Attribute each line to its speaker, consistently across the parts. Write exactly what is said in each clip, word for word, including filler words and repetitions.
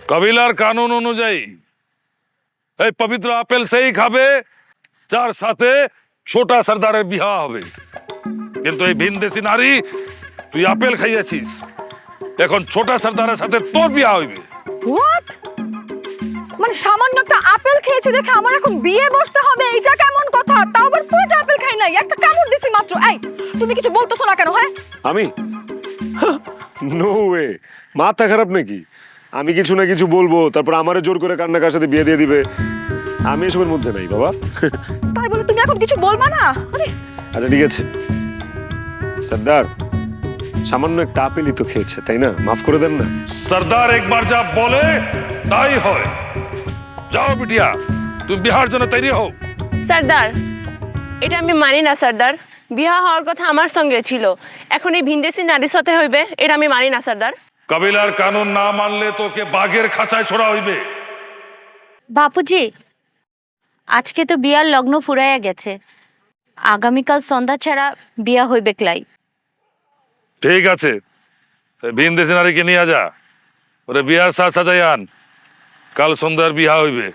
Speaker 1: কবিলার কানুন অনুযায়ী এই পবিত্র আপেল সেই খাবে যার সাথে ছোটা সর্দারের বিবাহ হবে। কিন্তু এই ভিনদেশি নারী, তুই আপেল খাইয়াছিস, এখন ছোটা সর্দারের সাথে তোর বিবাহ হইবে।
Speaker 2: হোয়াট? মানে সামান্য একটা আপেল খেয়েছি দেখে আমার এখন বিয়ে বসতে হবে, এটা কেমন কথা? তাও আবার পুরোটা আপেল খাই নাই, একটা কামড় দিছি মাত্র। এই তুমি কিছু বলতেছো না কেন? হ্যাঁ
Speaker 3: আমি নো ওয়ে, মাথা খারাপ নাকি? আমি কিছু না কিছু বলবো, তারপর আমারে জোর করে কার না কার সাথে বিয়ে দিয়ে দিবে। আমি এসবের মধ্যে নাই বাবা।
Speaker 2: তাই বলে তুমি এখন কিছু বলবা না? আরে
Speaker 3: আচ্ছা ঠিক আছে সর্দার, সামান্য একটা আপেলই তো খেয়েছে, তাই না? মাফ করে দেন না।
Speaker 1: সর্দার একবার যা বলে তাই হয়। যাও বিটিয়া, তুমি বিহার জন্য তৈরি হও।
Speaker 4: সর্দার, এটা আমি মানি না সর্দার। বিবাহ হওয়ার কথা আমার সঙ্গে ছিল, এখন এই ভিনদেশি নারীর সাথে হইবে, এটা আমি মানি না সর্দার।
Speaker 1: কবিলার কানুন না মানলে তোকে বাঘের খাঁচায় ছোড়া হইবে।
Speaker 5: বাপুজি, আজকে তো বিয়ার লগ্ন ফুরাইয়া গেছে, আগামীকাল সন্ধ্যা ছাড়া বিয়া হইবে ক্লাই।
Speaker 1: ঠিক আছে, ভিনদেশি নারীকে নিয়ে যা, ওরে বিহার সাজ সাজাই আন, কাল সন্ধ্যার বিহা হইবে।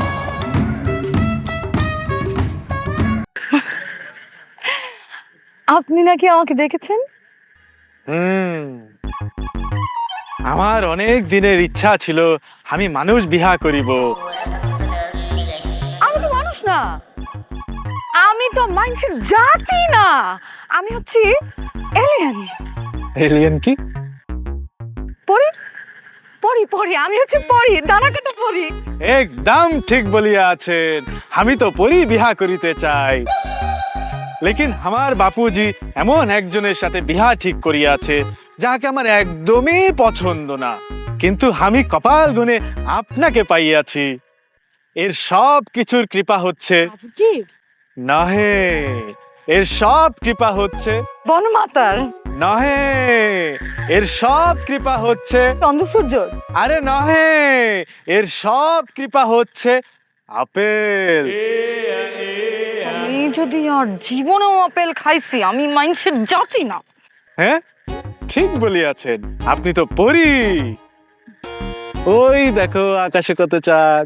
Speaker 2: আপনি নাকি আমাকে দেখেছেন?
Speaker 6: হুম, আমার অনেক দিনের ইচ্ছা ছিল আমি মানুষ বিহা করিব।
Speaker 2: আমি তো মানুষ না, আমি তো মানুষের জাতি না, আমি হচ্ছি এলিয়েন।
Speaker 6: এলিয়েন কি?
Speaker 2: পরি পরি পরি আমি হচ্ছে পরি, ডানা কাটা পরি।
Speaker 6: একদম ঠিক বলিয়া আছেন, আমি তো পরি বিহা করিতে চাই, লেকিন আমার বাপুজি এমন একজনের সাথে বিহা ঠিক করিয়াছে যাকে আমার একদমই পছন্দ না, কিন্তু আমি কপাল গুনে আপনাকে পাইয়াছি। এর সব কিছুর কৃপা হচ্ছে
Speaker 5: বাপুজি,
Speaker 6: নহে, এর সব কৃপা হচ্ছে
Speaker 2: বনমাতার,
Speaker 6: নহে, এর সব কৃপা হচ্ছে
Speaker 2: চন্দ্রসূর্য।
Speaker 6: আরে নহে, এর সব কৃপা হচ্ছে আপেল।
Speaker 2: আমি যদি আর জীবনেও আপেল খাইছি, আমি মানুষের জাতি না।
Speaker 6: হ্যাঁ ঠিক বলিয়াছেন, আপনি তো পরি। ওই দেখো আকাশে কত চাঁদ।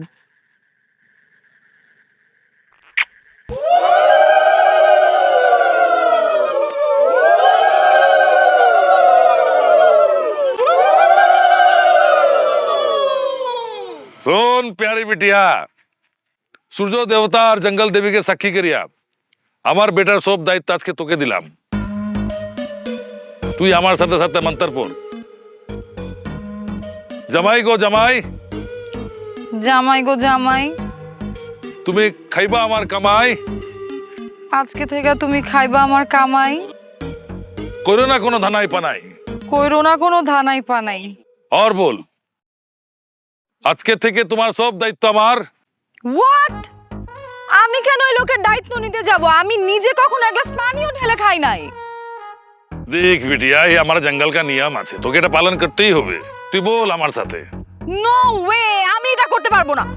Speaker 1: শোন প্যারি বিটিয়া, সূর্য দেবতা আর জঙ্গল দেবীকে সাক্ষী করিয়া আমার বেটার সব দায়িত্ব আজকে তোকে দিলাম। তুই আমার সাথে সাথে মন্ত্র পড়। জামাই গো জামাই,
Speaker 2: জামাই গো জামাই,
Speaker 1: তুমি খাইবা আমার কামাই,
Speaker 2: আজকে থেকে তুমি খাইবা আমার কামাই,
Speaker 1: করো না কোনো ধানাই পানাই,
Speaker 2: কইরো না কোনো ধানাই পানাই।
Speaker 1: আর বল, আজকে থেকে তোমার সব দায়িত্ব আমার।
Speaker 2: হোয়াট? আমি কেন ওই লোকের দায়িত্ব নিতে যাব? আমি নিজে কখনো এক গ্লাস পানিও ঢেলে খাই নাই।
Speaker 1: দেখ বিটিয়া, এই আমার জঙ্গল কা নিয়ম আছে, তোকে এটা পালন করতেই হবে। তুই বল আমার সাথে।
Speaker 2: নো ওয়ে, আমি এটা করতে পারবো না।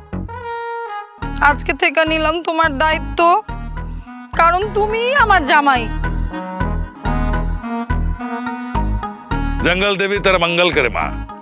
Speaker 2: আজকে থেকে নিলাম তোমার দায়িত্ব, কারণ তুমি আমার জামাই।
Speaker 1: জঙ্গল দেবী তার মঙ্গল করে মা।